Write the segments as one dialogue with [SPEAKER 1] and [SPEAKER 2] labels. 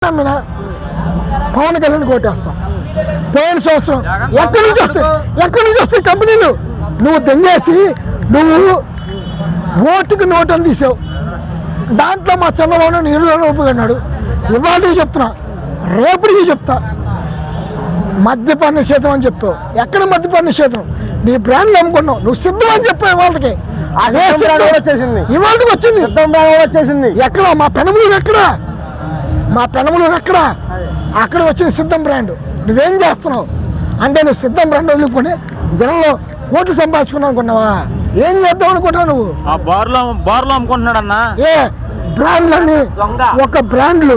[SPEAKER 1] నమ్మినా పవన్ కళ్యాణ్ కోటేస్తాం. పోయిన సంవత్సరం ఎక్కడి నుంచి వస్తాయి కంపెనీలు? నువ్వు దెంగేసి నువ్వు ఓటుకు నోటు అని తీసావు. దాంట్లో మా చంద్రబాబు నీళ్ళు ఒప్పుకున్నాడు. ఇవాళకి చెప్తున్నా, రేపటికి చెప్తా, మద్యపాన నిషేధం అని చెప్పావు. ఎక్కడ మద్యపాన నిషేధం? నీ బ్రాండ్లు అమ్ముకున్నావు. నువ్వు సిద్ధం అని చెప్పావు. ఇవాళకి అదే వచ్చేసింది. ఇవాళకి వచ్చింది, వచ్చేసింది. ఎక్కడ మా పెనమలూరు? ఎక్కడ అక్కడ వచ్చింది సిద్ధం బ్రాండ్. నువ్వేం చేస్తున్నావు అంటే నువ్వు సిద్ధం బ్రాండ్ వదులుకొని జనంలో ఓట్లు సంపాదించుకున్నావు అనుకున్నావా? ఏం చేద్దాం అనుకుంటావు నువ్వు?
[SPEAKER 2] బార్లో అమ్ముకుంటున్నాడన్నా.
[SPEAKER 1] ఏ బ్రాండ్లన్నీ ఒక బ్రాండ్లు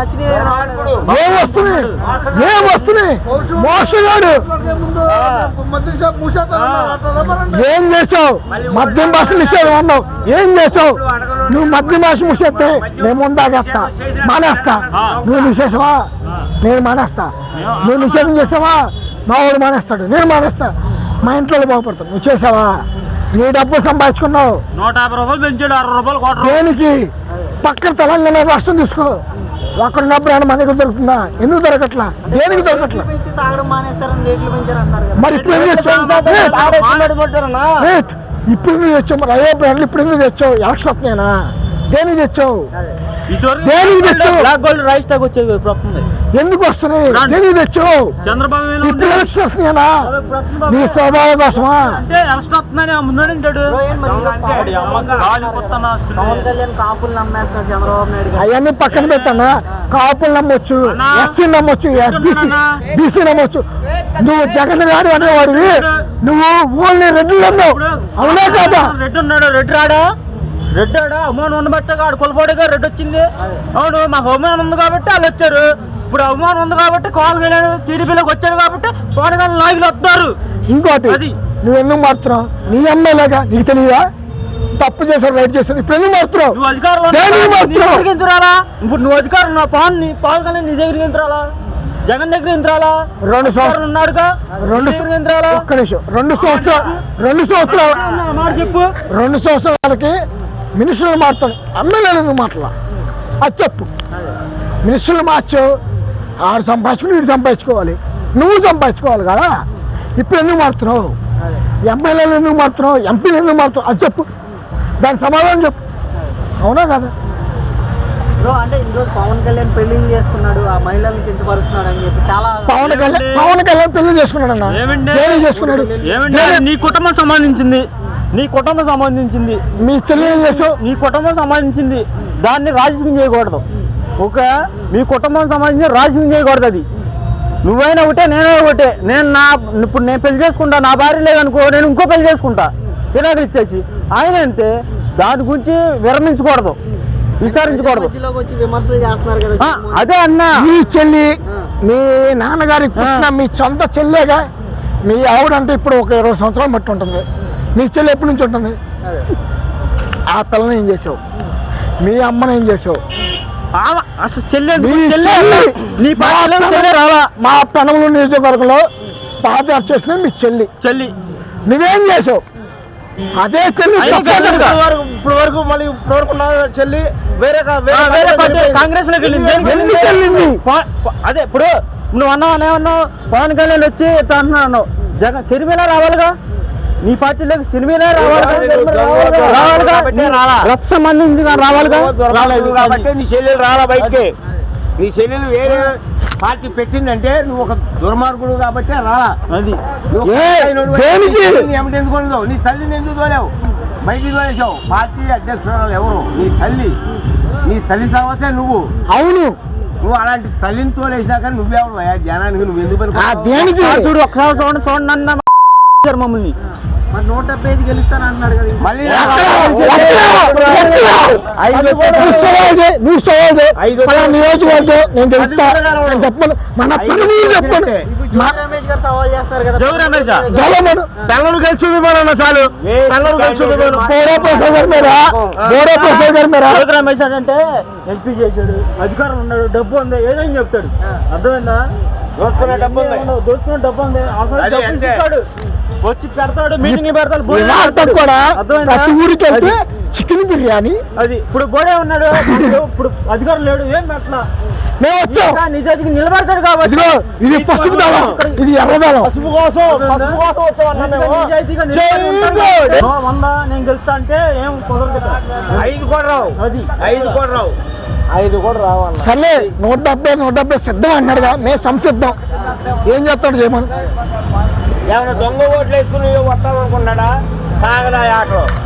[SPEAKER 1] ఏం వస్తున్నాయి? మోసగాడు. ఏం చేసావు? మద్యం భాష నిషేధం అన్నావు. ఏం చేసావు? నువ్వు మద్యం భాష మూసేస్తే నేను ముందాగేస్తా, మానేస్తా. నువ్వు నిషేధమా? నేను మానేస్తా. నువ్వు నిషేధం చేసావా? మా వాడు మానేస్తాడు, నేను మానేస్తా. మా ఇంట్లో బాగుపడతాను. నువ్వు చేసావా? నీ డబ్బులు సంపాదించుకున్నావు.
[SPEAKER 2] 150 రూపాయలు పెంచాడు, 60 రూపాయలు.
[SPEAKER 1] దేనికి? పక్కన తెలంగాణ రాష్ట్రం తీసుకో. అక్కడ ఉన్న బ్రాండ్ మన దగ్గర దొరుకుతుందా? ఎందుకు దొరకట్లా? దేనికి దొరకట్లా? మరి ఇప్పుడు ఎందుకు తెచ్చావు? మరి అయ్యే బ్రాండ్లు ఇప్పుడు ఎందుకు తెచ్చావు? ఎలక్షన్ వస్తున్నాయినా? దేనికి తెచ్చావు? ఎందుకు వస్తున్నాయి? దేనికి తెచ్చావు? ఇప్పుడు ఎలక్షన్ వస్తున్నాయినా? నీ స్వభావం కోసమా? అవన్నీ పక్కన పెట్టానా? కాపులు నమ్మొచ్చు, ఎస్సీ నమ్మొచ్చు, బీసీ నమ్మొచ్చు. నువ్వు జగన్ గారు అనేవాడివి. నువ్వు ఓన్లీ రెడ్డి నమ్మావు. అవునా కాదా?
[SPEAKER 2] రెడ్డి అవమానం ఉండబట్టే ఆడు కొలపాడుగా రెడ్డి వచ్చింది. అవును, మాకు అవమానం ఉంది కాబట్టి వాళ్ళు వచ్చారు. ఇప్పుడు అవమానం ఉంది కాబట్టి కాల్ టీడీపీలోకి వచ్చారు కాబట్టి పవన్ కళ్యాణ్ నాయకులు వస్తారు.
[SPEAKER 1] ఇంకోటి, నువ్వు ఎందుకు మారుతున్నావు? నీ ఎమ్మెల్యేగా నీకు తెలియదా? తప్పు చేశారు, రైట్ చేశారు. ఇప్పుడు ఎందుకు మారుతున్నావు?
[SPEAKER 2] నువ్వు అధికారంలో ఇప్పుడు నువ్వు అధికారం పవన్ కళ్యాణ్ నీ దగ్గరికి ఎంతరాలా? జగన్ దగ్గర ఎంతరాలా?
[SPEAKER 1] 2 సంవత్సరాలు
[SPEAKER 2] ఉన్నాడుగా. 2
[SPEAKER 1] సంవత్సరాలకి మినిస్టర్లు మారుతాడు, ఎమ్మెల్యేలు ఎందుకు మాటలా? అది చెప్పు. మినిస్టర్లు మార్చావు, ఆడు సంపాదించుకుని వీడు సంపాదించుకోవాలి, నువ్వు సంపాదించుకోవాలి కదా. ఇప్పుడు ఎందుకు మారుతున్నావు? ఎమ్మెల్యేలు ఎందుకు మారుతున్నావు? ఎంపీలు ఎందుకు మారుతున్నావు? అది చెప్పు, దాని సమాధానం చెప్పు. అవునా కదా?
[SPEAKER 3] అంటే ఈరోజు పవన్ కళ్యాణ్ పెళ్లి చేసుకున్నాడు, ఆ మహిళలను కించపరుస్తున్నాడు అని చెప్పి చాలా
[SPEAKER 1] పవన్ కళ్యాణ్ పెళ్లి చేసుకున్నాడు అన్న. చేసుకున్నాడు
[SPEAKER 2] నీ కుటుంబం సంబంధించింది,
[SPEAKER 1] మీ చెల్లి ఏం చేసావు?
[SPEAKER 2] నీ కుటుంబం సంబంధించింది, దాన్ని రాజకీయం చేయకూడదు. మీ కుటుంబం సంబంధించి రాజకీయం చేయకూడదు. అది నువ్వైనా ఒకటే, నేనే ఒకటే. ఇప్పుడు నేను పెళ్లి చేసుకుంటా, నా భార్య లేదనుకో, నేను ఇంకో పెళ్లి చేసుకుంటా పిల్లలు ఇచ్చేసి. ఆయన అంటే దాని గురించి విరమించకూడదు, విచారించకూడదు. అదే అన్న,
[SPEAKER 1] మీ చెల్లి మీ నాన్నగారికి పుట్టిన మీ సొంత చెల్లేగా. మీ ఆవిడంటే ఇప్పుడు ఒక 20 సంవత్సరాలు బట్టి ఉంటుంది. మీ చెల్లి ఎప్పటి నుంచి ఉంటుంది? ఆ పిల్లని ఏం చేసావు? మీ అమ్మని ఏం చేసావు? మా పెనమలూరు నియోజకవర్గంలో పాదయాత్ర చేసిన మీ చెల్లి నువ్వేం చేసావు? అదే చెల్లి
[SPEAKER 2] ఇప్పుడు వరకు మళ్ళీ చెల్లి వేరే కాంగ్రెస్ లోకి వెళ్ళింది. అదే ఇప్పుడు నువ్వు అన్నావు పవన్ కళ్యాణ్ వచ్చి అంటున్నావు, జగన్ సిరిమీల రావాలిగా, నీ పార్టీలోకి సిరిమీల రావాలిగా, రక్త సంబంధించి రావాలిగా.
[SPEAKER 4] రాలేదు కాబట్టి నీ చెల్లెలు రాలా బయటికి. నీ చెల్లెలు వేరే పార్టీ పెట్టిందంటే నువ్వు ఒక దుర్మార్గుడు కాబట్టి రాలా. అది ఎందుకు నీ తల్లిని ఎందుకు తోలేవు? బయటికి తోలేసావు. పార్టీ అధ్యక్షురాలు ఎవరు? నీ తల్లి తర్వాతే నువ్వు.
[SPEAKER 1] అవును,
[SPEAKER 4] నువ్వు అలాంటి తల్లిని తోలేసినాక నువ్వెవరు జనానికి? నువ్వు ఎందుకు
[SPEAKER 2] చూడు ఒకసారి చూడండి మమ్మల్ని.
[SPEAKER 3] మరి 175 గెలుస్తాను అంటున్నాడు కదా. మళ్ళీ
[SPEAKER 1] నియోజకవర్గం నేను చెప్పను. మన చెప్పండి,
[SPEAKER 2] బెంగళూరు కలిసి చాలు. రమేష్ అంటే ఎంపీ చేశాడు, అధికారం ఉన్నాడు, డబ్బు ఉంది, ఏదైనా చెప్తాడు. అర్థమైందా? దోచుకునే డబ్బు ఉంది, వచ్చి పెడతాడు, మీటింగ్ పెడతాడు, భోజనం
[SPEAKER 1] ఇలాంటి
[SPEAKER 2] పెడతాడు.
[SPEAKER 1] కూడా
[SPEAKER 2] అర్థమైందా?
[SPEAKER 1] ప్రతి ఊరికి వెళ్తే
[SPEAKER 2] అది-
[SPEAKER 1] చికెన్ బిర్యానీ.
[SPEAKER 2] అది ఇప్పుడు బోడే ఉన్నాడు, ఇప్పుడు అధికారం లేడు, ఏం పెట్టలా.
[SPEAKER 1] మేము వచ్చాం,
[SPEAKER 2] నిజానికి నిలబడతాడు కాబట్టి
[SPEAKER 1] ఇదిగో ఇది పసుపు దళం, ఇది ఎర్రదళం.
[SPEAKER 2] పసుపు కోసం వచ్చామన్నా మేము. నిజాయితీగా నిలబడి ఉంటాం కాబట్టి. 100 నేను గెలుస్తా అంటే ఏం కుదరదు కదా.
[SPEAKER 4] 5 కూడా రావు,
[SPEAKER 2] అది
[SPEAKER 4] 5 కూడా రావు.
[SPEAKER 2] 5 కూడా రావాలి.
[SPEAKER 1] సర్లే 170 సిద్ధం అన్నాడుగా, మేము సంసిద్ధం. ఏం చేస్తాడు చేయమని.
[SPEAKER 4] ఏమైనా దొంగ ఓట్లు వేసుకుని వస్తామనుకున్నాడా? సాగదా ఆటలో